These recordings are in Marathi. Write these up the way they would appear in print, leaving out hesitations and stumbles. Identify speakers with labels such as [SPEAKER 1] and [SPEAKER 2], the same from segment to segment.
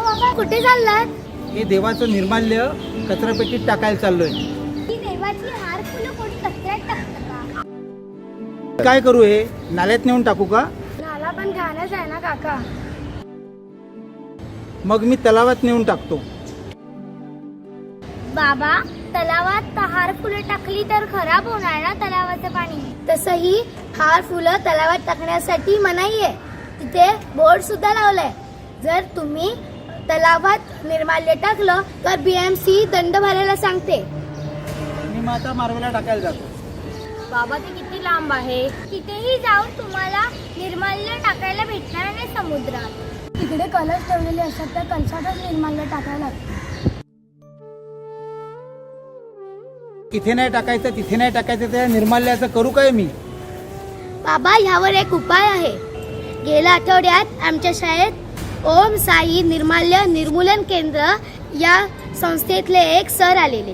[SPEAKER 1] बाबा कुठे चाललात?
[SPEAKER 2] हे देवाचं निर्माल्य कचरापेटीत टाकायला चाललोय.
[SPEAKER 1] ही देवाची हार फुलं कोणी कचऱ्यात टाकतं का?
[SPEAKER 2] काय करू, हे नाल्यात नेऊन टाकू का?
[SPEAKER 1] नाला पण घाणच आहे ना काका.
[SPEAKER 2] मग मी तलावात नेऊन टाकतो.
[SPEAKER 1] बाबा तलावात हार फुलं टाकली तर खराब होणार ना तलावाचं पाणी. तसंही हार फुलं तलावात टाकण्यासाठी मनाई आहे. तिथे बोर्ड सुद्धा लावलाय. जर तुम्ही तलावात निर्माल्य टाकलं तर BMC दंड भरायला सांगते.
[SPEAKER 2] मी मग आता मारवेला टाकायला जातो.
[SPEAKER 1] बाबा ते किती लांब आहे. तिथेही जाऊन तुम्हाला निर्माल्य टाकायला भेटणार नाही समुद्रात. तिकडे कलश ठेवलेले असतात त्या कलशातच निर्माल्य टाकायला लागतं.
[SPEAKER 2] इथे नाही टाकायचं तिथे नाही टाकायचं, त्या निर्माल्याचं करू काय मी?
[SPEAKER 1] बाबा ह्यावर एक उपाय आहे. गेल्या आठवड्यात आमच्या शाळेत ओम साई निर्माल्य निर्मूलन केंद्र या संस्थेतले एक सर आलेले.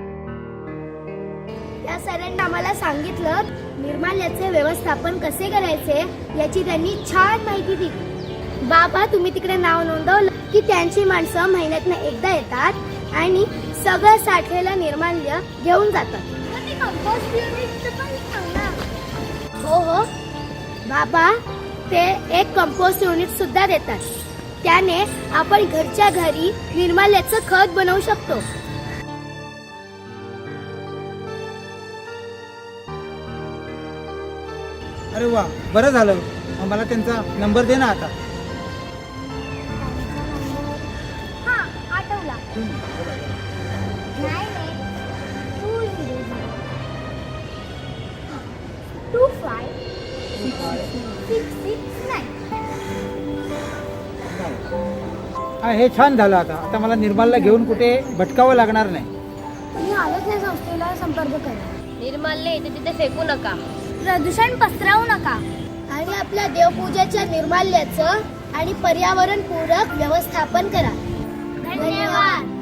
[SPEAKER 1] त्या सरांनी आम्हाला सांगितलं निर्माल्याचे व्यवस्थापन कसे करायचे याची त्यांनी छान माहिती दिली. बाबा तुम्ही तिकडे नाव नोंदवलं की त्यांची माणसं महिन्यातनं एकदा येतात आणि सगळं साठलेलं निर्माल्य घेऊन जातात. हो हो बाबा ते एक कंपोस्ट युनिट सुद्धा देतात. त्याने आपण घरच्या घरी निर्माल्याचं खत बनवू शकतो.
[SPEAKER 2] अरे वा, बरं झालं. मग मला त्यांचा नंबर दे ना आता.
[SPEAKER 1] हा आठवला. 98256669.
[SPEAKER 2] हे छान झालं. आता मला निर्माल्य घेऊन कुठे भटकावं लागणार नाही.
[SPEAKER 1] तुम्ही आलोच नाही संस्थेला संपर्क करा.
[SPEAKER 3] निर्माल्य इथे तिथे फेकू नका.
[SPEAKER 1] प्रदूषण पसरवू नका आणि आपल्या देवपूजेच्या निर्माल्याचं आणि पर्यावरण पूरक व्यवस्थापन करा. धन्यवाद.